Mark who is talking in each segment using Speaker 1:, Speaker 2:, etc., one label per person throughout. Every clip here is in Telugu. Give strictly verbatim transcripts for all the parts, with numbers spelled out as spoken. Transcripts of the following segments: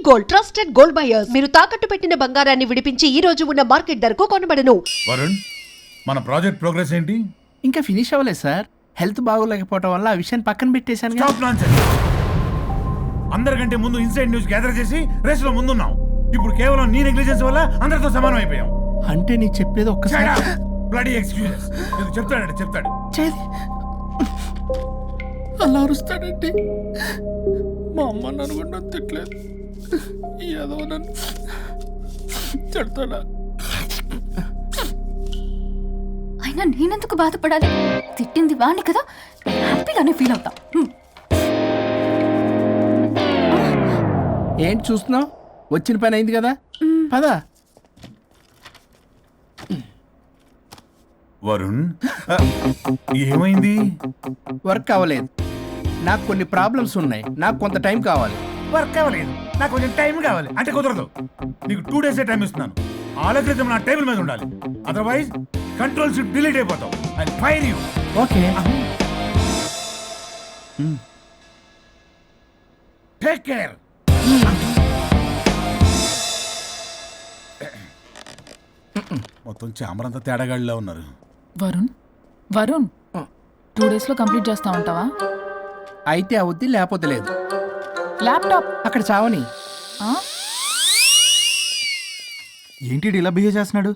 Speaker 1: Gold trusted gold buyers. మీరు తాకట్టు పెట్టిన బంగారాన్ని విడిపించి ఈ రోజు ఉన్న మార్కెట్ ధరకు కొనబడను.
Speaker 2: వరుణ్, మన ప్రాజెక్ట్ ప్రోగ్రెస్ ఏంటి?
Speaker 3: ఇంకా ఫినిష్ అవ్వలేదు సార్. హెల్త్ బాగోలేకపోవడం వల్ల ఆ విషయాన్ని పక్కన పెట్టేశాను.
Speaker 2: Stop nonsense. అందరికంటే ముందు ఇన్సైడ్ న్యూస్ గ్యాదర్ చేసి రేస్ లో ముందున్నాం. ఇప్పుడు కేవలం నీ నెగ్లిజెన్స్ వల్ల అందరితో సమానం అయిపోయాం.
Speaker 3: అంటే నీ చెప్పేది ఒక్కసారి
Speaker 2: బ్లడీ ఎక్స్క్యూజెస్. ఇది చెప్తాడంటే చెప్తాడు.
Speaker 3: చేది అలా అరుస్తాడండి. మా అమ్మ నన్ను కూడా నన్ను తిట్టలేదు. ఏదో నన్ను తిడతాడా?
Speaker 4: అయినా నేనెందుకు బాధపడాలి? తిట్టింది వాణ్ణి కదా, హ్యాపీగానే ఫీల్ అవుతా.
Speaker 3: ఏంటి చూస్తున్నావు? వచ్చిన పని అయింది కదా, పదా.
Speaker 2: వరుణ్, ఏమైంది?
Speaker 3: వర్క్ అవ్వలేదు. నాకు కొన్ని ప్రాబ్లమ్స్ ఉన్నాయి. నాకు కొంత టైం కావాలి.
Speaker 2: వర్క్ అవ్వలేదు, నాకు కొంచెం టైం కావాలి అంటే కుదరదు. నీకు టూ డేస్ టైం ఇస్తున్నాను. ఆలోచించడం నా టేబుల్ మీద ఉండాలి. అదర్వైజ్ కంట్రోల్ షిప్ డిలీట్ అయిపోతావు. I fire you.
Speaker 3: Okay,
Speaker 2: take care. మొత్తం చామరంతా తేడాగాడిలా ఉన్నారు.
Speaker 5: వరుణ్ వరుణ్ టూ డేస్ లో కంప్లీట్ చేస్తా ఉంటావా?
Speaker 3: అయితే అవుద్ది, లేకపోతే లేదు.
Speaker 5: ల్యాప్టాప్
Speaker 3: అక్కడ చావని.
Speaker 6: ఏంటి ఇలా బిహేవ్ చేస్తున్నాడు?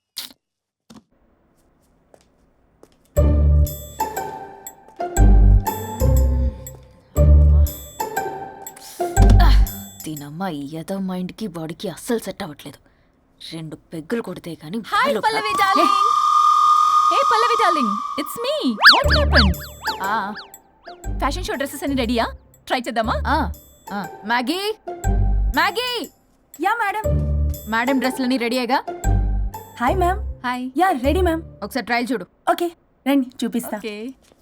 Speaker 4: దీనమ్మ ఏదో మైండ్ కి బాడీకి అస్సలు సెట్ అవ్వట్లేదు. రెండు పెగ్గులు కొడితే కానీ.
Speaker 5: Hi Pallavi darling. Hey Pallavi darling, it's me. What happened? ఆ ఫ్యాషన్ షో డ్రెస్సెస్ అన్ని రెడీయా? ట్రై చేద్దామా? ఆ ఆ Maggie Maggie.
Speaker 7: Yeah madam.
Speaker 5: Madam డ్రెస్లన్నీ రెడీ అయ్యగా?
Speaker 7: Hi ma'am.
Speaker 5: Hi.
Speaker 7: Yeah ready ma'am.
Speaker 5: ఒకసారి ట్రయల్ చూడు.
Speaker 7: ఓకే రండి చూపిస్తా.
Speaker 5: ఓకే.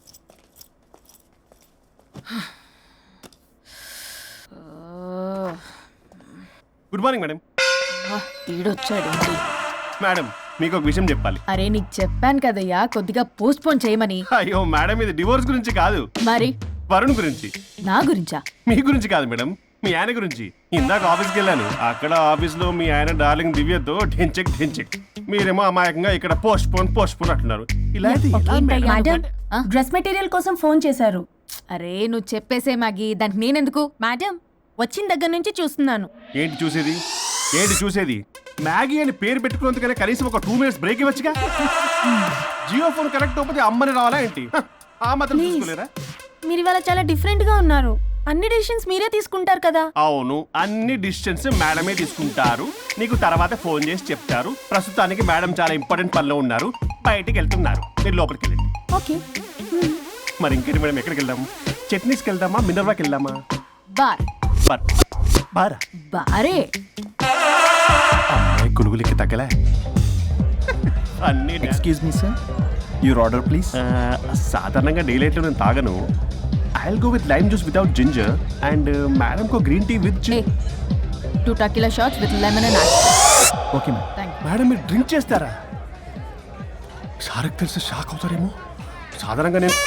Speaker 8: Good morning madam.
Speaker 4: ఈడొచ్చాడు.
Speaker 8: మేడం మీకు ఒక విషయం చెప్పాలి.
Speaker 5: అరే నీకు చెప్పాను కదయ్యా కొద్దిగా పోస్ట్ పోన్ చేయమని.
Speaker 8: అయ్యో మేడం, ఇది డివోర్స్ గురించి కాదు,
Speaker 5: మరి
Speaker 8: వరుణ్ గురించి.
Speaker 5: నా గురించా?
Speaker 8: మీ గురించి కాదు మేడం, మీ ఆయన గురించి. ఇందాక ఆఫీస్కి వెళ్ళాను. అక్కడ ఆఫీస్లో మీ ఆయన డార్లింగ్ దివ్యతో ఢెంచెక్ ఢెంచెక్, మీరేమో అమాయకంగా ఇక్కడ పోస్ట్ పోన్ పోస్ట్ పోన్ అంటున్నారు. ఇలాంటి
Speaker 7: మేడం డ్రెస్ మెటీరియల్ కోసం ఫోన్ చేశారు.
Speaker 5: అరే నువ్వు చెప్పేసే మ్యాగీ, దానికి నేనెందుకు?
Speaker 7: మేడం వచ్చిన దగ్గర నుంచి చూస్తున్నాను.
Speaker 8: ఏంటి చూసేది? ఏంటి చూసేది? మ్యాగీ అని పేరు పెట్టుకున్నందుకనే కనీసం ఒక టూ మినిట్స్ బ్రేక్ ఇవ్వచ్చుగా. జియో ఫోన్ కనెక్ట్ అవ్వకపోతే అమ్మని రావాలా ఏంటి? ఆ మాత్రం చూసుకోలేరా?
Speaker 7: మీరు ఇవాళ చాలా డిఫరెంట్ గా ఉన్నారు. అన్ని డిసిషన్స్ మీరే తీసుకుంటారు కదా.
Speaker 8: అవును, అన్ని డిసిషన్స్ మేడమే తీసుకుంటారు. నీకు తర్వాత ఫోన్ చేసి చెప్తారు. ప్రస్తుతానికి మేడం చాలా ఇంపార్టెంట్ పనిలో ఉన్నారు, బయటికి వెళ్తున్నారు. మీరు లోపలికి వెళ్ళండి.
Speaker 7: ఓకే.
Speaker 8: మరి ఇంకేంటి మేడం, ఎక్కడికి వెళ్దాం? చట్నీస్కి వెళ్దామా, మినర్వాకి వెళ్దామా?
Speaker 5: బార్.
Speaker 8: బార్ బారా?
Speaker 5: బారే.
Speaker 8: అమ్మాయి కులుగులకి తగ్గలే. అన్ని
Speaker 6: excuse me sir, your order please.
Speaker 8: సాధారణంగా డే లైట్లో నేను తాగను. I will go with lime juice without ginger and madam కో green tea with
Speaker 5: two tequila shots with lemon and ice.
Speaker 6: Okay ma'am.
Speaker 5: Thank you.
Speaker 8: Madam మీరు డ్రింక్ చేస్తారా? సార్కి తెలిసి షాక్ అవుతారేమో. సాధారణంగా నేను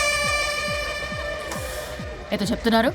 Speaker 5: ఏదో చెప్తున్నారు.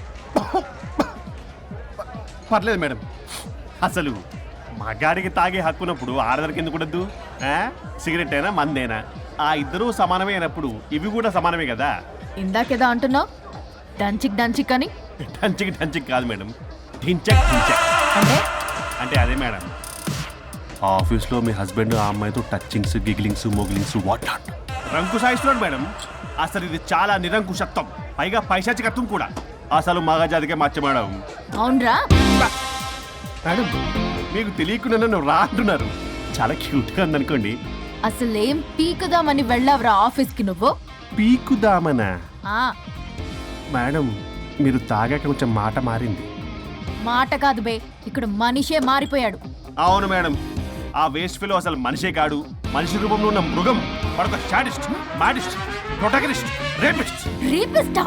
Speaker 8: పర్లేదు మేడం. అసలు మగాడికి తాగే హక్కున్నప్పుడు ఆడదరికి ఎందుకు ఉండద్దు? సిగరెట్ అయినా మందేనా ఆ ఇద్దరూ సమానమే అయినప్పుడు ఇవి కూడా సమానమే కదా.
Speaker 5: ఇందాకేదో అంటున్నావు, డంచిక్ డంచిక్ అని.
Speaker 8: డంచిక్ డంచిక్ కాదు మేడం, ఢించక్ ఢించక్.
Speaker 5: అంటే
Speaker 8: అంటే అదే మేడం, ఆఫీస్లో మీ హస్బెండ్ ఆ అమ్మాయితో టచ్చింగ్స్ గిగ్లింగ్స్ మోగిలింగ్స్ వాట్ నాట్ రంకు సాయిస్తున్నాడు మేడం. అసలు ఇది చాలా నిరంకుశత్వం, పైగా పైశాచికత్వం కూడా. అసలు మగజాతికే మచ్చ మేడం.
Speaker 5: అవునరా
Speaker 8: మేడం, మీకు తెలియకుండా నన్ను రా అంటున్నారు. చాలా క్యూట్గా ఉందనుకోండి.
Speaker 5: అసలేం పీకుదామని వెళ్ళావురా ఆఫీస్కి నువ్వు?
Speaker 8: పీకుదామనా?
Speaker 5: ఆ
Speaker 8: మేడం, మీరు తాగాక కొంచెం మాట మారింది.
Speaker 5: మాట కాదు బే, ఇక్కడ మనిషే మారిపోయాడు.
Speaker 8: అవును మేడం, ఆ వేస్ట్ ఫెలో అసలు మనిషే కాడు, మనిషి రూపంలో ఉన్న మృగం. మరొక షాడిస్ట్, మాడిస్ట్, ప్రొటాగనిస్ట్, రేపిస్ట్.
Speaker 5: రీపిస్టా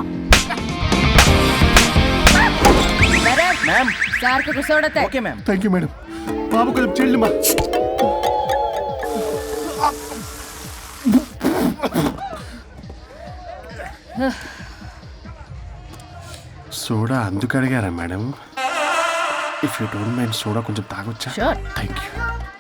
Speaker 6: మ్యామ్.
Speaker 5: సార్ కు కూర్చోడతే.
Speaker 6: Okay ma'am.
Speaker 8: Thank you madam. బాబు కొంచెం చెల్లి మా సోడా అందుకు అడిగారా మేడం? If you don't mind soda కొంచెం తాగొచ్చా?
Speaker 5: Sure.
Speaker 8: Thank you.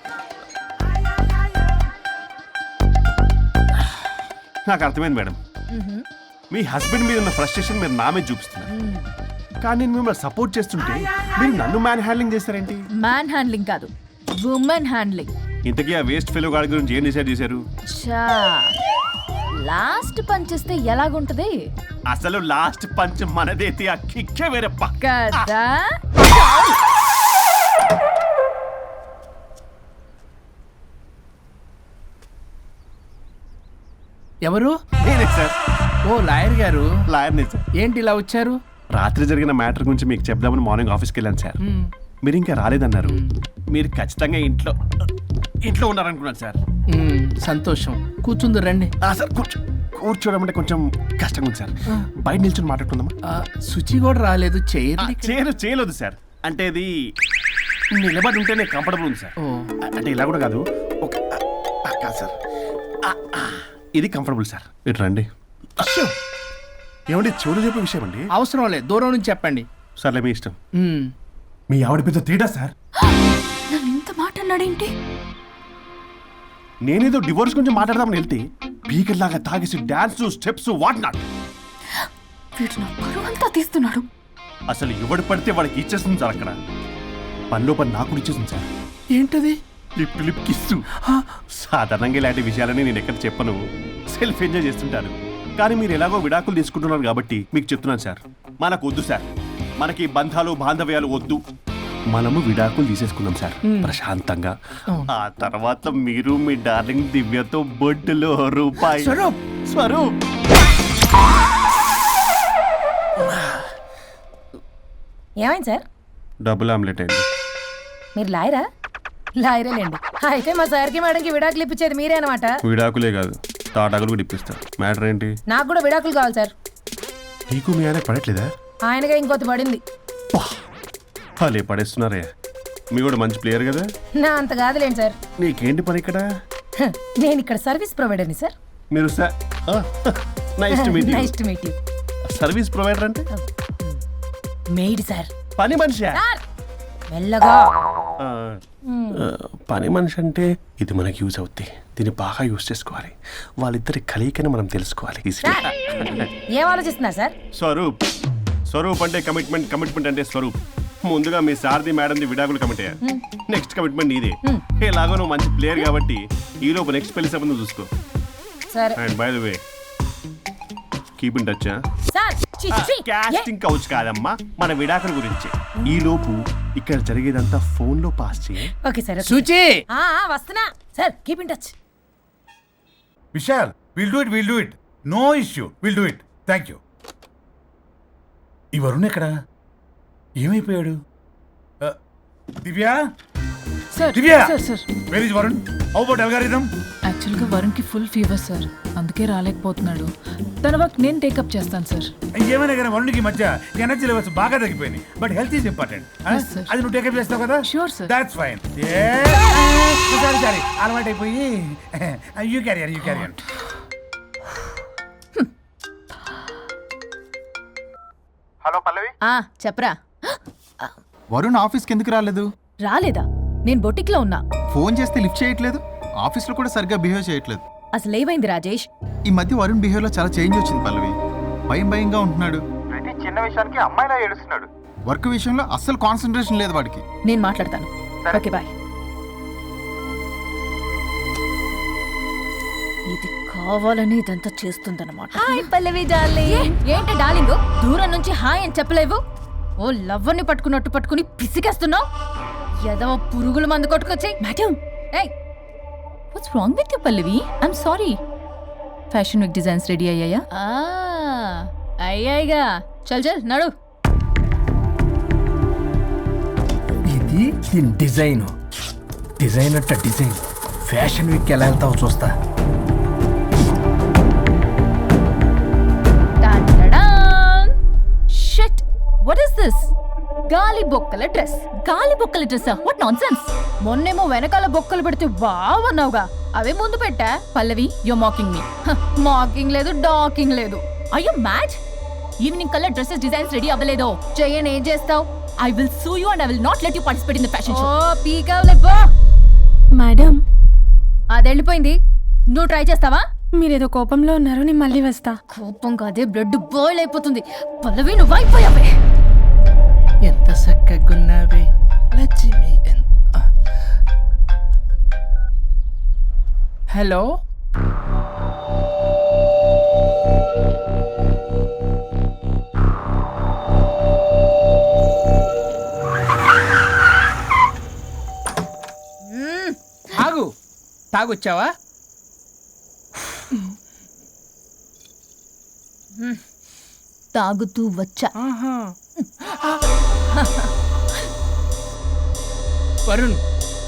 Speaker 8: నాకు అర్థమైంది మేడం. మీ హస్బెండ్ మీద ఉన్న ఫ్రస్ట్రేషన్ మీరు నా మీద చూపిస్తున్నారు. కానీ నేను మిమ్మల్ని సపోర్ట్ చేస్తుంటే మీరు నన్ను మ్యాన్ హ్యాండ్లింగ్ చేస్తారేంటి?
Speaker 5: మ్యాన్ హ్యాండ్లింగ్ కాదు, ఉమెన్ హ్యాండ్లింగ్.
Speaker 8: ఇంతకీ ఆ వేస్ట్ ఫెలో గాడి గురించి ఏం డిసైడ్ చేశారు?
Speaker 5: చా లాస్ట్ పంచ్ ఇస్తే ఎలాగుంటది
Speaker 8: అసలు లాస్ట్ పంచ్ మనదైతే ఆ కిక్కే వేరే పక్క.
Speaker 5: కదా?
Speaker 3: ఎవరు?
Speaker 8: నేనే సార్,
Speaker 3: ఓ లాయర్ గారు.
Speaker 8: లాయర్నే సార్.
Speaker 3: ఏంటి ఇలా వచ్చారు?
Speaker 8: రాత్రి జరిగిన మ్యాటర్ గురించి మీకు చెప్దామని మార్నింగ్ ఆఫీస్కి వెళ్ళాను సార్. మీరు ఇంకా రాలేదన్నారు. మీరు ఖచ్చితంగా ఇంట్లో ఇంట్లో ఉన్నారనుకున్నాను సార్.
Speaker 3: మ్మ్, సంతోషం. కూర్చుంది రండి.
Speaker 8: ఆ, సార్ కూర్చో కూర్చోవడం అంటే కొంచెం కష్టంగా ఉంది సార్. బయట నిల్చొని మాట్లాడుకుందామా?
Speaker 3: ఆ, శుచి కూడా రాలేదు.
Speaker 8: ఆ,
Speaker 3: చేయరు.
Speaker 8: చేయలేదు చేయలేదు సార్. అంటే ఇది నిలబడి ఉంటేనే కంఫర్టబుల్ ఉంది సార్.
Speaker 3: ఓ.
Speaker 8: అంటే ఇలా కూడా కాదు. ఒక ఆ, ఆ, కాదు సార్. ఆ, ఆ, ఇది కంఫర్టబుల్ సార్. ఇటు రండి. ఏమండి చెవులు చెప్పే విషయం అండి?
Speaker 3: అవసరం లేదు, దూరం నుంచి చెప్పండి.
Speaker 8: సర్లే మీ ఇష్టం.
Speaker 3: మ్మ్.
Speaker 2: మీ ఆవిడ పెద్ద తేడా సార్.
Speaker 4: నన్ను ఇంత మాట అన్నాడేంటి?
Speaker 8: నేనేదో డివోర్స్ గురించి మాట్లాడదామని వెళ్తే పీకర్ లాగా తాగేసి డాన్స్ స్టెప్స్ వాట్ నాట్.
Speaker 4: వీడు నా పరువు అంతా తీస్తున్నాడు.
Speaker 8: అసలు ఎవడు పడితే వాడికి ఇచ్చేస్తుంది సార్. అక్కడ పనిలో పని నాకు ఇచ్చేస్తుంది సార్.
Speaker 3: ఏంటది?
Speaker 8: Lip lip kiss. సాధారణంగా ఇలాంటి విషయాలని నేను ఎక్కడ చెప్పను. సెల్ఫ్ ఎంజాయ్ చేస్తుంటాను. కానీ మీరు ఎలాగో విడాకులు తీసుకుంటున్నారు కాబట్టి మీకు చెప్తున్నాను సార్, మనకు వద్దు సార్. మనకి బంధాలు బాంధవ్యాలు వద్దు. మనము విడాకులు తీసేసుకుందాం సార్ ప్రశాంతంగా. ఆ తర్వాత మీరు మీ డార్లింగ్ దివ్యతో బొడ్డులో రూపాయి.
Speaker 3: స్వరూప్.
Speaker 8: స్వరూప్
Speaker 7: ఏమైంది సార్?
Speaker 8: డబుల్ ఆమ్లెట్ అండి.
Speaker 7: మీరు లాయరా? లాయరేలేండి. అయితే మా సార్కి మేడంకి విడాకులు ఇప్పించేది మీరే అనమాట.
Speaker 8: విడాకులే కాదు, తాటాకులు కూడా ఇప్పిస్తారు. మ్యాటర్ ఏంటి?
Speaker 7: నాకు కూడా విడాకులు కావాలి సార్.
Speaker 8: నీకు మీ ఆయన పడట్లేదా?
Speaker 7: ఆయనగా ఇంకొత పడింది.
Speaker 8: వాళ్ళే పడేస్తున్నారే. మీ కూడా మంచి ప్లేయర్ కదా.
Speaker 7: నా అంత కాదులేండి సార్.
Speaker 8: నీకేంటి పని ఇక్కడ?
Speaker 7: హ, నేను ఇక్కడ సర్వీస్ ప్రొవైడర్ని సార్.
Speaker 8: మీరు nice to meet
Speaker 7: nice to meet you.
Speaker 8: Service provider అంటే
Speaker 7: మెయిడ్ సార్.
Speaker 8: పని మనిషి.
Speaker 7: సార్ మెల్లగా.
Speaker 8: పని మనిషి అంటే ఇది మనకి యూజ్ అవుద్ది. దీన్ని బాగా యూజ్ చేసుకోవాలి. వాళ్ళిద్దరి కలయికని మనం తెలుసుకోవాలి.
Speaker 7: సార్, ఏం ఆలోచిస్తున్నారు సార్?
Speaker 8: స్వరూప్. స్వరూప్ అంటే కమిట్మెంట్, కమిట్మెంట్ అంటే స్వరూప్. ముందుగా మీ సారథి మేడంది విడాకులు కమిట్ అయ్యారు. నెక్స్ట్ కమిట్మెంట్ నీదే. ఎలాగో నువ్వు మంచి ప్లేయర్ కాబట్టి ఈ లోపు నెక్స్ట్ పెళ్లి సంబంధం చూసుకో.
Speaker 7: సరే
Speaker 8: and by the way keep in touch.
Speaker 7: Sir. చి, చి, ఏ?
Speaker 8: కాస్టింగ్ కౌచ్ కాదమ్మా, మన విడాకుల గురించి. ఈ లోపు ఇక్కడ జరిగేదంతా ఫోన్ లో పాస్ చేయి.
Speaker 7: Okay sir. ఓకే.
Speaker 3: శుచి.
Speaker 7: ఆ, ఆ, వస్తున్నా sir. Keep in touch.
Speaker 2: Vishal, will do it will do it no issue will do it. Thank you. ఈ వరుణ్ ఎక్కడ? ఏమైపోయాడు? Uh, Divya
Speaker 9: sir
Speaker 2: Divya
Speaker 9: sir sir
Speaker 2: where is Varun? How about algorithm?
Speaker 9: యాక్చువల్గా వరుణ్కి ఫుల్ ఫీవర్ సార్, అందుకే రాలేకపోతున్నాడు. తన వర్క్ నేను టేకప్ చేస్తాను సార్.
Speaker 2: ఏమైనా కానీ వరుణ్కి మధ్య ఎనర్జీ లెవెల్స్ బాగా తగ్గిపోయినాయి. But health is important.
Speaker 9: Yes, sir.
Speaker 2: అది నువ్వు టేకప్ చేస్తావు కదా?
Speaker 9: Sure, sir.
Speaker 2: That's fine. Sorry sorry అలవాటు అయిపోయి. You carrier you carrier.
Speaker 6: Hello Pallavi.
Speaker 5: ఆ చెప్పరా.
Speaker 6: వరుణ్ ఆఫీస్కి ఎందుకు రాలేదు?
Speaker 5: రాలేదా? నేను బొటిక్లో ఉన్నా.
Speaker 6: ఫోన్ చేస్తే లిఫ్ట్ చేయట్లేదు. ఆఫీస్లో కూడా సరిగ్గా బిహేవ్ చేయట్లేదు.
Speaker 5: అసలు ఏమైంది రాజేష్?
Speaker 6: ఈ మధ్య వరుణ్ బిహేవ్లో చాలా చేంజ్ వచ్చింది పల్లవి. భయం భయంగా ఉంటున్నాడు. ప్రతి చిన్న విషయానికి అమ్మాయిలా ఏడుస్తున్నాడు. వర్క్ విషయంలో అస్సలు కాన్సన్ట్రేషన్ లేదు వాడికి.
Speaker 5: నేను మాట్లాడతాను. Okay bye. ఇది కావాలని ఇదంతా చేస్తుందన్నమాట. Hi Pallavi darling. ఏంటి డార్లింగ్ దూరం నుంచి హాయ్ అని చెప్పలేవు? ఓ లవ్వర్ని పట్టుకున్నట్టు పట్టుకుని పిసికేస్తున్నావు. ఏదో పురుగుల మందు కొట్టుకొచ్చి. మేడం ఏయ్ what's wrong with you Pallavi? I'm sorry. Fashion week designs ready అయ్యాయా? అయ్యాయిగా. చల్ చల్ నడు.
Speaker 3: ఇది దీని డిజైన్. డిజైన్ అట్ట డిజైన్. ఫ్యాషన్ వీక్ ఎలా వెళ్తావు చూస్తా.
Speaker 5: Shit what is this? గాలి బొక్కల డ్రెస్. గాలి బొక్కల డ్రెస్? What nonsense. మొన్నేమో వెనకాల బొక్కలు పెడితే వావ్ అన్నావుగా, అవే ముందు పెట్టా. Pallavi you mocking me. Mocking లేదు, డాకింగ్ లేదు. Are you mad? ఈవినింగ్ కల్లా డ్రెస్సెస్ డిజైన్స్ రెడీ అవ్వలేదో? చెయ్యని ఏం చేస్తావు? I will sue you and I will not let you participate in the fashion
Speaker 4: oh
Speaker 5: show.
Speaker 4: పీకావులే పో.
Speaker 10: మేడం
Speaker 4: అది వెళ్ళిపోయింది. నువ్వు ట్రై చేస్తావా?
Speaker 10: మీరేదో కోపంలో ఉన్నారు, నేను మళ్ళీ వస్తా.
Speaker 4: కోపం కాదే బ్లడ్ బాయిల్ అయిపోతుంది. పల్లవి నువ్వు అయిపోయావే.
Speaker 3: ఎంత చక్కగున్నావే లక్ష్మి. హలో ఆగు, తాగొచ్చావా?
Speaker 5: తాగుతూ వచ్చా.
Speaker 3: వరుణ్,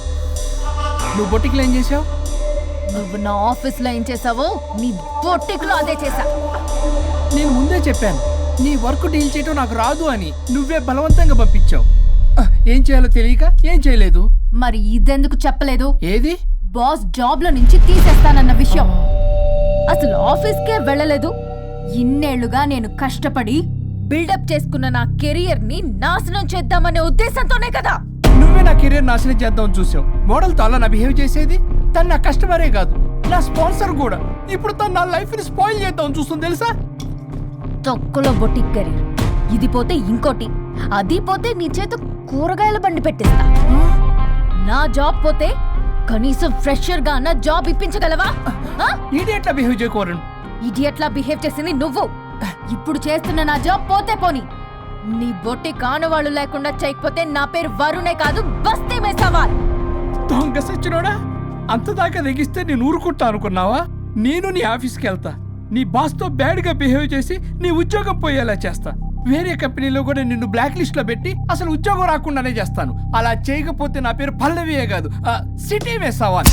Speaker 3: నువ్వు బొట్టికి ఏం చేసావు?
Speaker 4: నువ్వు నా ఆఫీస్ లో ఏం చేసావో నీ బొట్టిక్ లో అదే చేసా.
Speaker 3: నేను ముందే చెప్పాను నీ వర్క్ డీల్ చేయటం నాకు రాదు అని. నువ్వే బలవంతంగా పంపించావు. ఏం చేయాలో తెలియక ఏం చేయలేదు.
Speaker 4: మరి ఇదెందుకు చెప్పలేదు?
Speaker 3: ఏది?
Speaker 4: బాస్ జాబ్ లో నుంచి తీసేస్తానన్న విషయం. అసలు ఆఫీస్ కే వెళ్ళలేదు. ఇన్నేళ్లుగా నేను కష్టపడి బిల్డప్ చేసుకున్న నా కెరియర్ ని నాశనం చేద్దామనే ఉద్దేశంతోనే కదా.
Speaker 3: నువ్వే నా కెరీర్ నాశనం చేద్దామని చూసావు. మోడల్ తో అలా నా బిహేవ్ చేసేది. తను నా కస్టమరే కాదు, నా స్పాన్సర్ కూడా. ఇప్పుడు తను నా లైఫ్ ని స్పాయిల్ చేద్దామని చూస్తుంది తెలుసా?
Speaker 4: తొక్కలో బొటిక్ కెరీర్. ఇది పోతే ఇంకోటి, అది పోతే నీ చేత కూరగాయల బండి పెట్టిస్తా. నా జాబ్ పోతే కనీసం ఫ్రెషర్ గా అన్న జాబ్ ఇప్పించగలవా?
Speaker 3: ఇడియట్లా బిహేవ్ చేయకూడదు.
Speaker 4: ఇడియట్లా బిహేవ్ చేసింది నువ్వు. ఇప్పుడు చేస్తున్న నా జాబ్ పోతే పోని. నీ బొట్టి కానువాళ్ళు లేకుండా చేయకపోతే నా పేరు వరుణే కాదు, బస్తీ మే సవాల్.
Speaker 3: దొంగ సచ్చినోడా, అంత దాకా తెగిస్తే నేను ఊరుకుంటా అనుకున్నావా? నేను నీ ఆఫీస్కి వెళ్తా, నీ బాస్తో బ్యాడ్గా బిహేవ్ చేసి నీ ఉద్యోగం పోయేలా చేస్తా. వేరే కంపెనీలో కూడా నిన్ను బ్లాక్ లిస్ట్ లో పెట్టి అసలు ఉద్యోగం రాకుండానే చేస్తాను. అలా చేయకపోతే నా పేరు పల్లవియే కాదు, సిటీ మే సవాల్.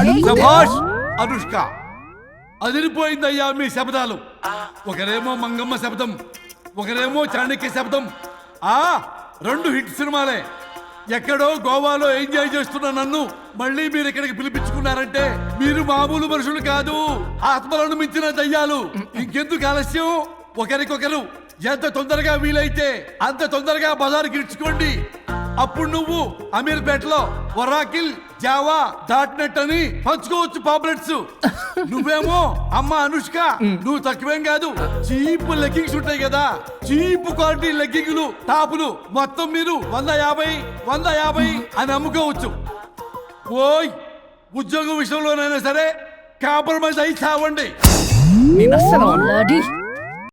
Speaker 11: అనుష్క, అదిరిపోయిందయ్యా మీ శబ్దాలు. ఒకరేమో మంగమ్మ శబ్దం, ఒకరేమో చాణక్య శబ్దం. ఆ రెండు హిట్ సినిమాలే. ఎక్కడో గోవాలో ఎంజాయ్ చేస్తున్న నన్ను మళ్ళీ మీరు ఇక్కడికి పిలిపించుకున్నారంటే మీరు మామూలు మనుషులు కాదు, ఆత్మలను మించిన దయ్యాలు. ఇంకెందుకు ఆలస్యం? ఒకరికొకరు ఎంత తొందరగా వీలైతే అంత తొందరగా బజారుకి ఇచ్చుకోండి. అప్పుడు నువ్వు అమీర్పేటలో వరాకిల్ జావా డాట్ నెట్ అని పంచుకోవచ్చు పాంప్లెట్స్. నువ్వేమో అమ్మ అనుష్క, నువ్వు తక్కువేం కాదు. చీప్ లెగ్గింగ్స్ ఉంటాయి కదా, చీప్ క్వాలిటీ లెగ్గింగ్లు టాపులు మొత్తం మీరు వంద యాభై వంద యాభై అని అమ్ముకోవచ్చు. ఓయ్, ఉద్యోగం విషయంలోనైనా సరే కాంప్రమైజ్ అయి చావండి.
Speaker 3: నేను అస్సలు
Speaker 4: Bloody